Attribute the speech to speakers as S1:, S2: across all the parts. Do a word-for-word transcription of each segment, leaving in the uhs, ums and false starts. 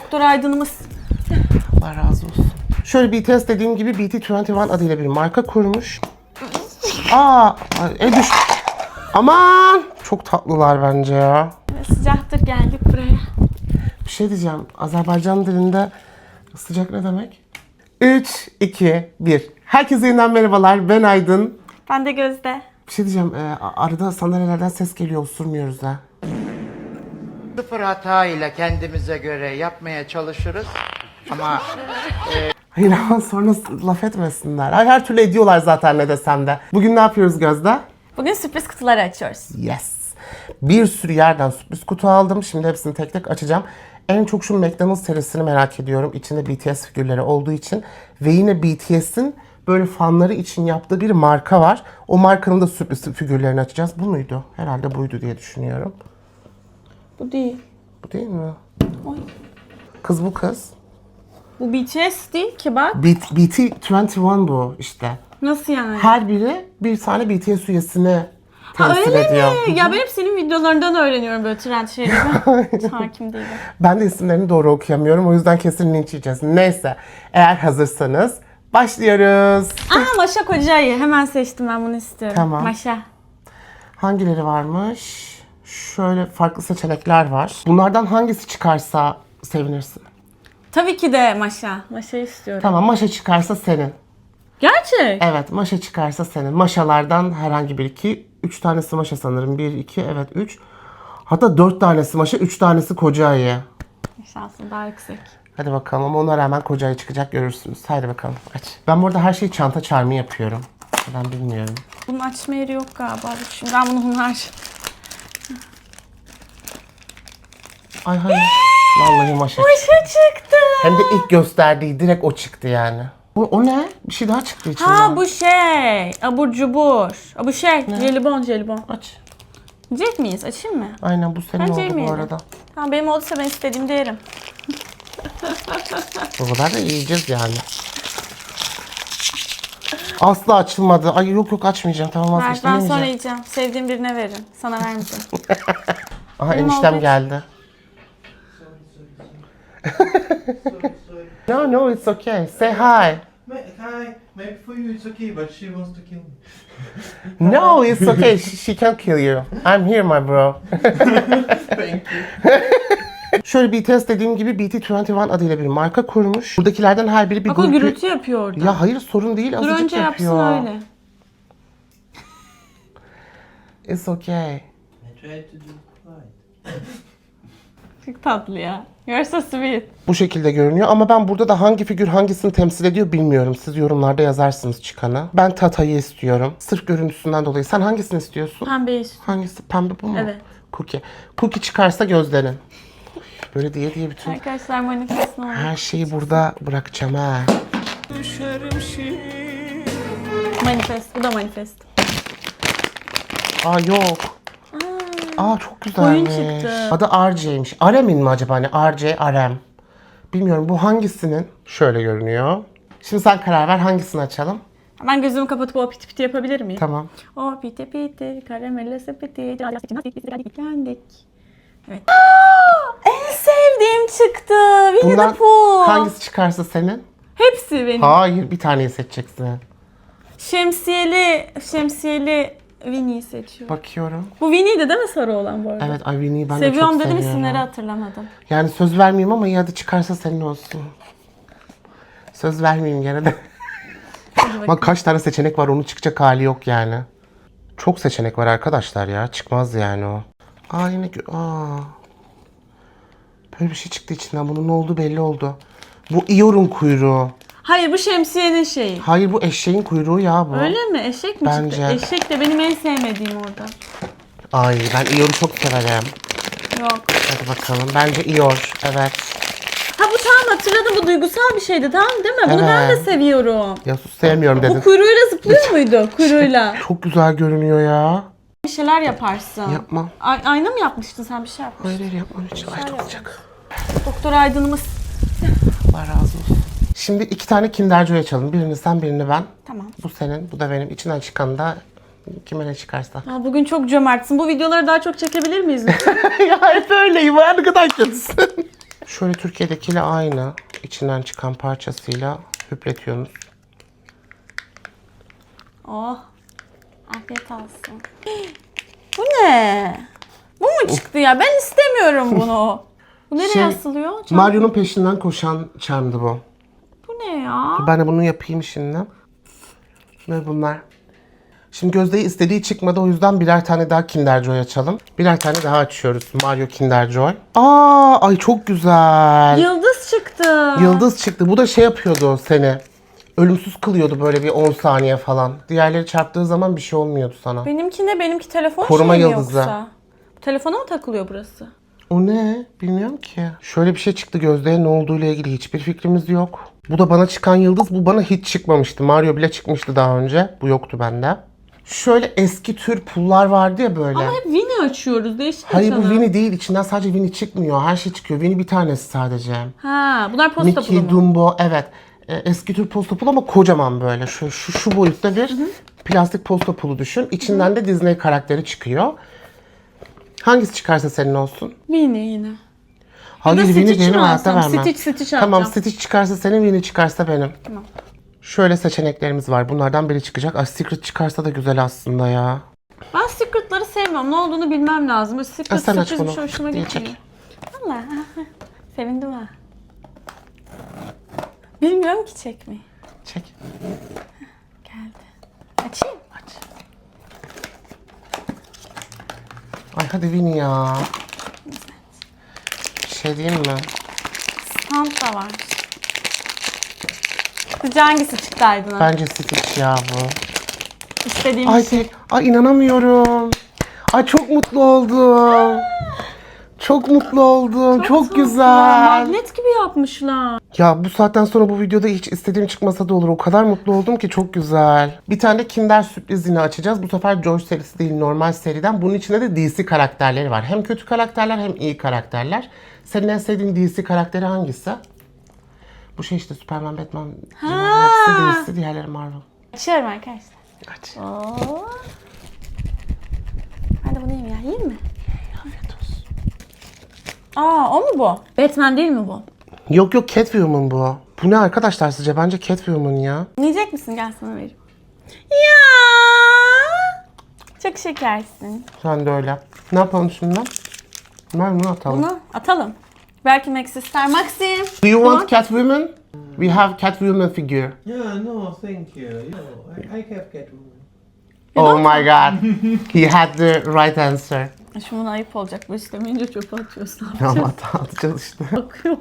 S1: Doktor Aydın'ımız.
S2: Allah razı olsun. Şöyle B T S dediğim gibi B T yirmi bir adıyla bir marka kurmuş. Aa, e düş. Aman! Çok tatlılar bence ya.
S1: Sıcaktır, geldik buraya.
S2: Bir şey diyeceğim. Azerbaycan dilinde sıcak ne demek? üç, iki, bir. Herkese yeniden merhabalar. Ben Aydın.
S1: Ben de Gözde.
S2: Bir şey diyeceğim. E, arada sandalyelerden ses geliyor. Osurmuyoruz da.
S3: Sıfır hata ile kendimize göre yapmaya çalışırız. Ama
S2: Hayır ama sonra laf etmesinler. Ay, her türlü ediyorlar zaten ne desem de. Bugün ne yapıyoruz Gözde?
S1: Bugün sürpriz kutuları açıyoruz.
S2: Yes. Bir sürü yerden sürpriz kutu aldım. Şimdi hepsini tek tek açacağım. En çok şu McDonald's serisini merak ediyorum. İçinde B T S figürleri olduğu için. Ve yine B T S'in böyle fanları için yaptığı bir marka var. O markanın da sürpriz figürlerini açacağız. Bu muydu? Herhalde buydu diye düşünüyorum.
S1: Bu değil.
S2: Bu değil mi?
S1: Oy.
S2: Kız bu kız.
S1: Bu B T S değil ki bak.
S2: B T yirmi bir bu işte.
S1: Nasıl yani?
S2: Her biri bir tane B T S üyesini
S1: Ha,
S2: temsil
S1: öyle
S2: ediyor.
S1: mi? Ya ben hep senin videolarından öğreniyorum böyle trend şeyleri. Hakim değilim.
S2: Ben de isimlerini doğru okuyamıyorum. O yüzden kesin linç yiyeceğiz. Neyse. Eğer hazırsanız başlıyoruz.
S1: Aa, Maşa Kocayı. Hemen seçtim, ben bunu istiyorum.
S2: Tamam.
S1: Maşa.
S2: Hangileri varmış? Şöyle farklı seçenekler var. Bunlardan hangisi çıkarsa sevinirsin.
S1: Tabii ki de Maşa. Maşa'yı istiyorum.
S2: Tamam, Maşa çıkarsa senin.
S1: Gerçek.
S2: Evet, Maşa çıkarsa senin. Maşalardan herhangi bir iki. Üç tanesi Maşa sanırım. Bir, iki, evet üç. Hatta dört tanesi Maşa, üç tanesi Kocayı.
S1: Şansın daha yüksek.
S2: Hadi bakalım ama ona rağmen Kocayı çıkacak, görürsünüz. Haydi bakalım aç. Ben burada her şeyi çanta çarmı yapıyorum. Ben bilmiyorum.
S1: Bunun açma yeri yok galiba. Şimdi ben bunu hunar.
S2: Ay hayır. Vallahi Maşa.
S1: Maşa çıktı.
S2: Hem de ilk gösterdiği direkt o çıktı yani. Bu, o ne? Bir şey daha çıktı içinden.
S1: Ha bu şey. Abur cubur. Ha, bu şey. Jelibon jelibon.
S2: Aç.
S1: Yiyecek miyiz? Açayım mı?
S2: Aynen, bu senin
S1: Bence
S2: oldu bu
S1: yemeyelim.
S2: arada.
S1: Tamam, benim olduysa ben istediğimde yerim.
S2: O kadar da yiyeceğiz yani. Asla açılmadı. Ay yok yok açmayacağım. Tamam,
S1: Ver,
S2: vazgeçtim.
S1: ben sonra
S2: yemeyeceğim.
S1: yiyeceğim. Sevdiğim birine veririm. Sana vermeyeceğim.
S2: Aha,
S1: Benim
S2: eniştem
S1: oldu.
S2: geldi. No no, it's okay. Say hi.
S4: Hi, maybe for you it's okay, but she wants to kill me.
S2: No, it's okay. She, she can't kill you. I'm here my bro.
S4: Thank you.
S2: Şöyle B T S dediğim gibi B T yirmi bir adıyla bir marka kurmuş. Buradakilerden her biri bir
S1: Bak o
S2: grup-
S1: gürültü yapıyor orada.
S2: Ya hayır, sorun değil.
S1: Dur
S2: Azıcık
S1: önce
S2: yapıyor.
S1: yapsın öyle.
S2: It's okay.
S4: I tried to do right.
S1: Çok tatlı ya. You're so sweet.
S2: Bu şekilde görünüyor ama ben burada da hangi figür hangisini temsil ediyor bilmiyorum. Siz yorumlarda yazarsınız çıkanı. Ben Tata'yı istiyorum. Sırf görüntüsünden dolayı. Sen hangisini istiyorsun?
S1: Pembeyi.
S2: Hangisi? Pembe bu mu?
S1: Evet.
S2: Cookie. Cookie çıkarsa Gözde'nin. Böyle diye diye bütün
S1: Arkadaşlar manifestin oldu.
S2: her şeyi burada bırakacağım ha.
S1: Manifest. Bu da manifest.
S2: Aa yok. Aa çok güzelmiş.
S1: Oyun çıktı.
S2: Adı R J'ymiş. Arem'in mi acaba? Hani R J, Arem. Bilmiyorum, bu hangisinin? Şöyle görünüyor. Şimdi sen karar ver, hangisini açalım?
S1: Ben gözümü kapatıp o piti piti yapabilir miyim?
S2: Tamam.
S1: O piti piti, karamelle sepeti, geldik. Evet. En sevdiğim çıktı. Winnie
S2: Bundan
S1: the Pooh.
S2: hangisi çıkarsa senin?
S1: Hepsi benim.
S2: Hayır, bir taneyi seçeceksin.
S1: Şemsiyeli, şemsiyeli Winnie'yi seçiyorum.
S2: Bakıyorum.
S1: Bu Winnie'ydi değil mi sarı olan bu arada?
S2: Evet, ay Winnie'yi ben de
S1: Seviyorum
S2: çok
S1: dedim,
S2: seviyorum.
S1: isimleri hatırlamadım.
S2: Yani söz vermeyeyim ama iyi, hadi çıkarsa senin olsun. Söz vermeyeyim gene de. Bak kaç tane seçenek var, onun çıkacak hali yok yani. Çok seçenek var arkadaşlar ya. Çıkmaz yani o. Aa yine gö- aa. Böyle bir şey çıktı içinden. Bunun ne olduğu belli oldu. Bu Eeyore'un kuyruğu.
S1: Hayır, bu şemsiyenin şeyi.
S2: Hayır, bu eşeğin kuyruğu ya bu.
S1: Öyle mi? Eşek mi
S2: Bence.
S1: çıktı? Eşek de benim en sevmediğim orada.
S2: Ay ben Eeyore'u çok severim.
S1: Yok.
S2: Hadi bakalım. Bence Eeyore. Evet.
S1: Ha bu tamam, hatırladım, bu duygusal bir şeydi, tamam değil mi? Bunu ben de
S2: Evet.
S1: seviyorum.
S2: Ya sus, sevmiyorum
S1: Bu
S2: dedin.
S1: kuyruğuyla zıplıyor muydu? Kuyruğuyla.
S2: Çok güzel görünüyor ya.
S1: Bir şeyler yaparsın.
S2: Yapmam.
S1: Ay, ayna mı yapmıştın sen, bir şey yapmıştın?
S2: Hayır hayır yapmam hiç. Ay çok sıcak.
S1: Doktor Aydın'ımız.
S2: Allah razı olsun. Şimdi iki tane Kinder Joy açalım. Birini sen, birini ben.
S1: Tamam.
S2: Bu senin, bu da benim. İçinden çıkan da kime ne çıkarsa.
S1: Aa, bugün çok cömertsin. Bu videoları daha çok çekebilir miyiz lütfen?
S2: Ya hep öyleyim. Ne kadar kötüsün. Şöyle Türkiye'dekiyle aynı. İçinden çıkan parçasıyla hüpletiyorsunuz.
S1: Oh. Afiyet olsun. Bu ne? Bu mu çıktı ya? Ben istemiyorum bunu. Bu nereye
S2: Şey,
S1: asılıyor? Çanta-
S2: Mario'nun peşinden koşan charm'dı bu.
S1: Bu ne ya?
S2: Ben de bunu yapayım şimdi. Ve bunlar. Şimdi Gözde'yi istediği çıkmadı, o yüzden birer tane daha Kinder Joy açalım. Birer tane daha açıyoruz. Mario Kinder Joy. Aa, ay çok güzel.
S1: Yıldız çıktı.
S2: Yıldız çıktı. Bu da şey yapıyordu seni. Ölümsüz kılıyordu böyle bir on saniye falan. Diğerleri çarptığı zaman bir şey olmuyordu sana.
S1: Benimki ne? Benimki telefon
S2: Koruma
S1: şey mi
S2: yıldızı.
S1: yoksa? Telefona mı takılıyor burası?
S2: O ne? Bilmiyorum ki. Şöyle bir şey çıktı Gözde'ye, ne olduğuyla ilgili hiçbir fikrimiz yok. Bu da bana çıkan yıldız. Bu bana hiç çıkmamıştı. Mario bile çıkmıştı daha önce. Bu yoktu bende. Şöyle eski tür pullar vardı ya böyle.
S1: Hep Winnie açıyoruz. Değişik
S2: Hayır bu
S1: açalım.
S2: Winnie değil. İçinden sadece Winnie çıkmıyor. Her şey çıkıyor. Winnie bir tanesi sadece.
S1: Ha, bunlar posta pulu
S2: Mickey,
S1: mu?
S2: Dumbo, evet. E, eski tür posta pulu ama kocaman böyle. Şu, şu, şu boyutta bir plastik posta pulu düşün. İçinden de Disney karakteri çıkıyor. Hangisi çıkarsa senin olsun?
S1: Winnie yine.
S2: Hayır,
S1: da
S2: Winnie
S1: Stitch
S2: benim
S1: mi
S2: hayatta
S1: alsam?
S2: vermem.
S1: Stitch, Stitch
S2: Tamam,
S1: alacağım.
S2: Stitch çıkarsa senin, Winnie çıkarsa benim.
S1: Tamam.
S2: Şöyle seçeneklerimiz var. Bunlardan biri çıkacak. Ay, Secret çıkarsa da güzel aslında ya.
S1: Ben secretları sevmiyorum. Ne olduğunu bilmem lazım. Böyle secret
S2: Ha, sen aç
S1: sürpriz bir
S2: bunu.
S1: şey hoşuma
S2: Diye
S1: gitmiyor.
S2: çek.
S1: Valla. Sevindim ha. Bilmiyorum ki çekmeyi.
S2: Çek.
S1: Geldi. Açayım.
S2: Aç. Ay hadi Winnie ya. Bir şey diyeyim mi?
S1: Sound da var. Sizce hangisi çıktı Aydın'a?
S2: Bence Stitch ya bu.
S1: İstediğim
S2: Ay,
S1: şey.
S2: tek- ay inanamıyorum. Ay çok mutlu oldum. Çok mutlu oldum. Çok,
S1: tatlı.
S2: güzel.
S1: Magnet gibi yapmışlar.
S2: Ya bu saatten sonra bu videoda hiç istediğim çıkmasa da olur. O kadar mutlu oldum ki, çok güzel. Bir tane de Kinder sürprizini açacağız. Bu sefer Joy serisi değil, normal seriden. Bunun içinde de D C karakterleri var. Hem kötü karakterler hem iyi karakterler. Senin en sevdiğin D C karakteri hangisi? Bu şey işte Superman, Batman, hepsi D C, diğerleri Marvel.
S1: Açıyorum arkadaşlar.
S2: Aç.
S1: Oo. Ben de bunu yiyeyim ya. Yiyeyim mi?
S2: Afiyet olsun.
S1: Aa, o mu bu? Batman değil mi bu?
S2: Yok yok, Catwoman bu. Bu ne arkadaşlar sizce? Bence Catwoman ya.
S1: Yiyecek misin? Gel sana vereyim. Ya! Çok şekersin.
S2: Sen de öyle. Ne yapalım şimdi? Ben bunu atalım.
S1: Bunu atalım. Belki Max ister. Maxim!
S2: Do you
S1: Bunu-
S2: want Catwoman? We have Catwoman figure.
S4: Yeah, no, thank you. Yeah, I, I have Catwoman.
S2: Oh my god. He had the right answer.
S1: Şimdi buna ayıp olacak. Bu istemeyince çöpe atıyorsun.
S2: Ama at- atacağız işte.
S1: Bakıyor.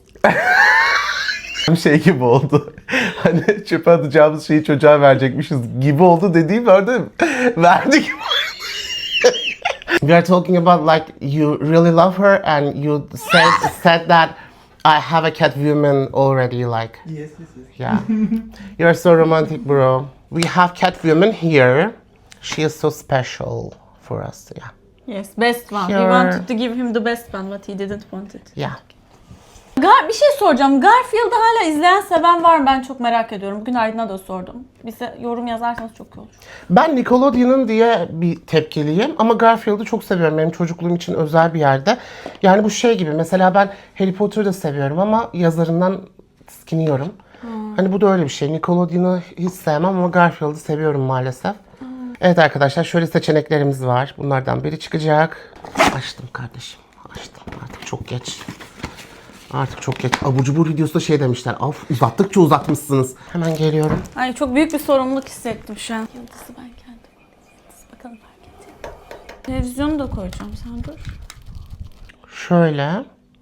S2: Şey gibi oldu. Hani çöpe atacağımız şeyi çocuğa verecekmişiz gibi oldu dediğim orada verdik. We are talking about like you really love her and you said said that I have a Catwoman already, like.
S4: Yes, yes, yes.
S2: Yeah. You're so romantic, bro. We have Catwoman here. She is so special for us. Yeah.
S1: Yes, best one. We
S2: Sure.
S1: wanted to give him the best one, but he didn't want it.
S2: Yeah.
S1: Gar bir şey soracağım. Garfield'ı hala izleyen, seven var mı? Ben çok merak ediyorum. Bugün Aydın'a da sordum. Bize yorum yazarsanız çok iyi olur.
S2: Ben Nickelodeon'un diye bir tepkiliyim ama Garfield'ı çok seviyorum. Benim çocukluğum için özel bir yerde. Yani bu şey gibi, mesela ben Harry Potter'ı da seviyorum ama yazarından tiskiniyorum. Hmm. Hani bu da öyle bir şey. Nickelodeon'u hiç sevmem ama Garfield'ı seviyorum maalesef. Hmm. Evet arkadaşlar, şöyle seçeneklerimiz var. Bunlardan biri çıkacak. Açtım kardeşim. Açtım. Artık çok geç. Artık çok geç. Abur cubur videosunda şey demişler. Of, uzattıkça uzatmışsınız. Hemen geliyorum.
S1: Ay, çok büyük bir sorumluluk hissettim şu an. Yıldızı ben kendim. Yıldız, bakalım fark edecek. Televizyonu da koyacağım, sen dur.
S2: Şöyle.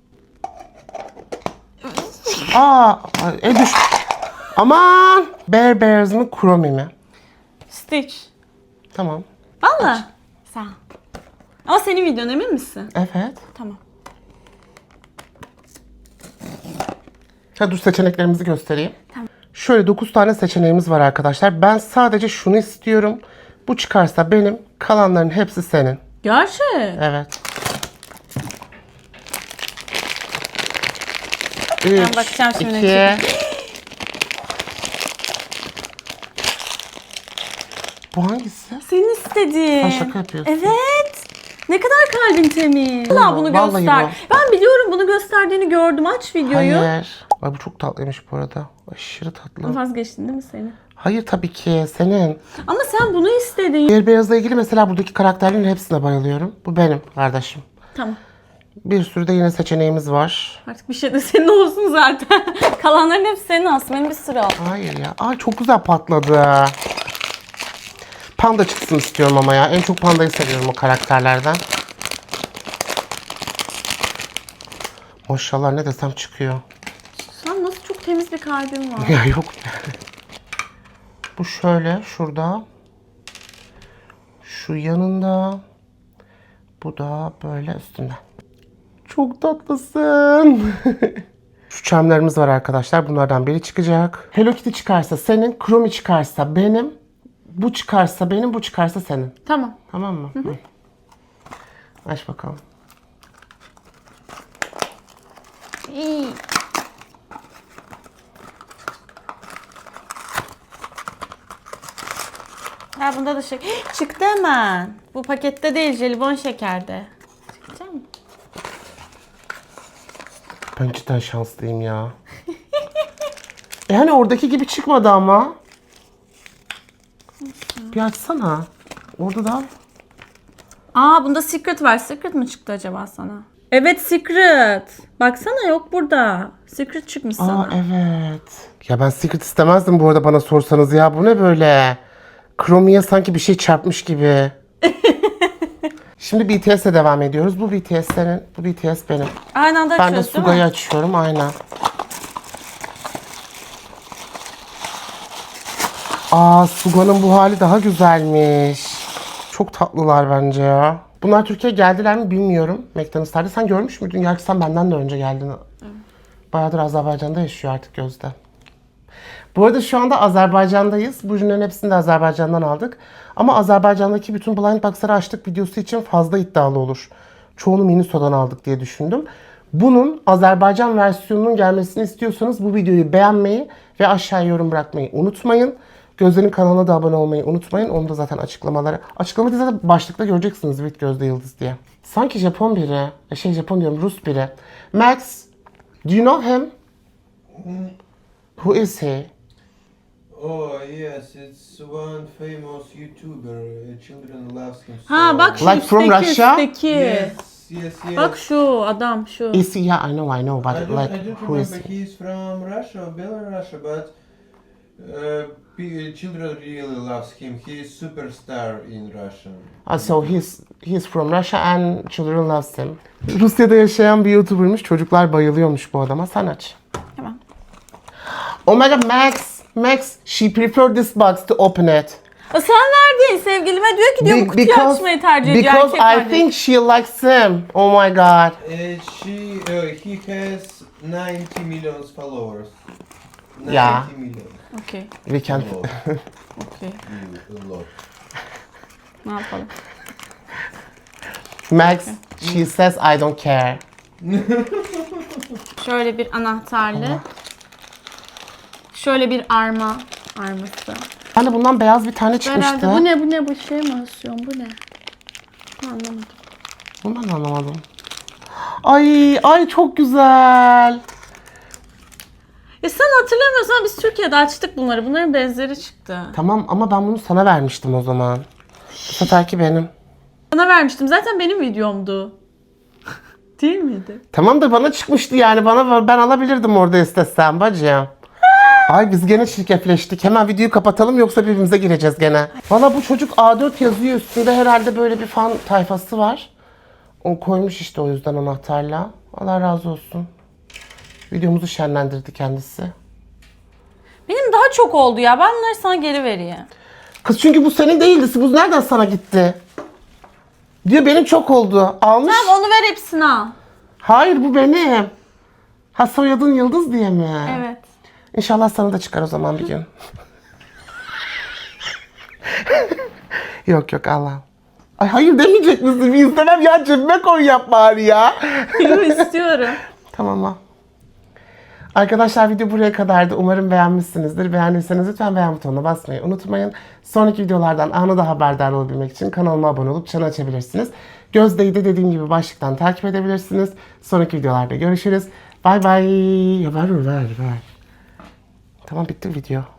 S2: Aa, e düş. Aman! Bear Bears mı, Chromie mi?
S1: Stitch.
S2: Tamam.
S1: Valla. Sağ ol. Ama senin videon, emin misin?
S2: Evet.
S1: Tamam.
S2: Ha, dur seçeneklerimizi göstereyim.
S1: Tamam.
S2: Şöyle dokuz tane seçeneğimiz var arkadaşlar. Ben sadece şunu istiyorum. Bu çıkarsa benim, kalanların hepsi senin.
S1: Gerçek.
S2: Evet.
S1: Ben bakacağım
S2: üç,
S1: şimdi.
S2: iki. Bu hangisi?
S1: Senin istediğin.
S2: Ha, şaka yapıyorsun.
S1: Evet. Ne kadar kalbin temiz. Valla bunu
S2: Vallahi
S1: göster.
S2: bu.
S1: Ben biliyorum bunu gösterdiğini gördüm. Aç videoyu.
S2: Hayır. Ay bu çok tatlıymış bu arada. Aşırı tatlı.
S1: Vazgeçtin değil mi seni?
S2: Hayır tabii ki senin.
S1: Ama sen bunu istedin.
S2: Diğer beyazla ilgili mesela buradaki karakterlerin hepsine bayılıyorum. Bu benim kardeşim.
S1: Tamam.
S2: Bir sürü de yine seçeneğimiz var.
S1: Artık bir şey de senin olsun zaten. Kalanların hepsi senin aslında. Benim bir sürü al.
S2: Hayır ya. Ay çok güzel patladı. Panda çıksın istiyorum ama ya. En çok pandayı seviyorum o karakterlerden. Maşallah ne desem çıkıyor.
S1: Sen nasıl çok temiz bir kalbin var.
S2: Ya yok. Bu şöyle şurada. Şu yanında. Bu da böyle üstünde. Çok tatlısın. Şu çemlerimiz var arkadaşlar. Bunlardan biri çıkacak. Hello Kitty çıkarsa senin. Chromie çıkarsa benim. Bu çıkarsa benim. Bu çıkarsa senin.
S1: Tamam.
S2: Tamam mı? Hı hı. Aç bakalım.
S1: İyi. Ha bunda da şey çıktı hemen. Bu pakette değil, jelibon şekerde. Çıkacak mı?
S2: Ben cidden şanslıyım ya. e hani oradaki gibi çıkmadı ama. Bir açsana. Orada da.
S1: Aa bunda secret var. Secret mi çıktı acaba sana? Evet secret. Baksana yok burada. Secret çıkmış sana.
S2: Aa evet. Ya ben secret istemezdim bu arada bana sorsanız ya. Bu ne böyle? Chromie'ye sanki bir şey çarpmış gibi. Şimdi B T S'e devam ediyoruz. Bu B T S senin, bu B T S benim.
S1: Aynı anda
S2: Ben de
S1: açıyoruz değil
S2: Suga'yı
S1: mi?
S2: açıyorum aynen. Aa Suga'nın bu hali daha güzelmiş. Çok tatlılar bence ya. Bunlar Türkiye'ye geldiler mi bilmiyorum. McDonald's'larda. Sen görmüş müydün? Gerçi sen benden de önce geldin. Bayağıdır Azerbaycan'da yaşıyor artık Gözde. Bu arada şu anda Azerbaycan'dayız. Bu ürünlerin hepsini de Azerbaycan'dan aldık. Ama Azerbaycan'daki bütün blind box'ları açtık videosu için fazla iddialı olur. Çoğunu Miniso'dan aldık diye düşündüm. Bunun Azerbaycan versiyonunun gelmesini istiyorsanız bu videoyu beğenmeyi ve aşağıya yorum bırakmayı unutmayın. Gözde'nin kanalına da abone olmayı unutmayın. Onu da zaten açıklamaları. Açıklamada zaten başlıkta göreceksiniz with Gözde Yıldız diye. Sanki Japon biri. Şey Japon diyorum Rus biri. Max, do you know him? Who is he?
S4: Oh yes, it's one famous YouTuber. uh, Children loves him so.
S1: Ha bak şu
S2: Like from
S1: üstteki,
S2: Russia?
S1: üstteki.
S4: Yes, yes, yes.
S1: Bak şu adam şu.
S2: Is he? Yeah, I know, I know,
S4: I
S2: but
S4: don't,
S2: like,
S4: I don't
S2: who is
S4: remember.
S2: he?
S4: He's from Russia, or Belarus, but uh, pe- children really loves him. He's superstar in Russia.
S2: Ah, so he's he's from Russia and children loves him. Rusya'da yaşayan bir YouTuber'mış. Çocuklar bayılıyormuş bu adama. Sen aç.
S1: Tamam.
S2: Oh my god, Max, Max, she preferred this box to open it.
S1: O sen verdin sevgilime diyor ki diyor bu
S2: Be-
S1: kutuyu açmayı tercih ediyor
S2: because
S1: erkek
S2: I
S1: kardeş.
S2: think she likes him. Oh my god.
S4: Uh, she, uh, he has ninety million followers. ninety
S2: Yeah.
S4: million.
S1: Okey.
S2: We can.
S4: A lot.
S1: Okey.
S4: Mm, a lot.
S1: Ne yapalım?
S2: Max, she says I don't care.
S1: Şöyle bir anahtarlı. Şöyle bir arma arması.
S2: Ben de bundan beyaz bir tane çıkmıştı.
S1: Herhalde bu ne bu ne bu şey mi asıyorsun bu ne? Anlamadım.
S2: Bunu ben de anlamadım. Ay, ay çok güzel.
S1: E sen hatırlamıyorsan biz Türkiye'de açtık bunları. Bunların benzeri çıktı.
S2: Tamam ama ben bunu sana vermiştim o zaman. Bu seferki benim.
S1: Sana vermiştim. Zaten benim videomdu. Değil miydi?
S2: Tamam da bana çıkmıştı yani. Bana ben alabilirdim orada istesem bacım. Ay biz gene şirketleştik. Hemen videoyu kapatalım yoksa birbirimize gireceğiz gene. Valla bu çocuk A dört yazıyor üstünde. Herhalde böyle bir fan tayfası var. O koymuş işte o yüzden anahtarla. Allah razı olsun. Videomuzu şenlendirdi kendisi.
S1: Benim daha çok oldu ya. Ben bunları sana geri vereyim.
S2: Kız çünkü bu senin değildi. Bu nereden sana gitti? Diyor benim çok oldu. Almış.
S1: Tamam onu ver hepsini al.
S2: Hayır bu benim. Ha soyadın Yıldız diye mi?
S1: Evet.
S2: İnşallah sana da çıkar o zaman bir gün. Yok yok Allah. Ay hayır demeyecek misin? Bir istemem ya cebime koy yap bari ya.
S1: Yok istiyorum.
S2: Tamam ha. Arkadaşlar video buraya kadardı. Umarım beğenmişsinizdir. Beğendiyseniz lütfen beğen butonuna basmayı unutmayın. Sonraki videolardan anında haberdar olabilmek için kanalıma abone olup çanı açabilirsiniz. Gözde'yi de dediğim gibi başlıktan takip edebilirsiniz. Sonraki videolarda görüşürüz. Bay bay. Ya ver ver ver. Tamam bitti video.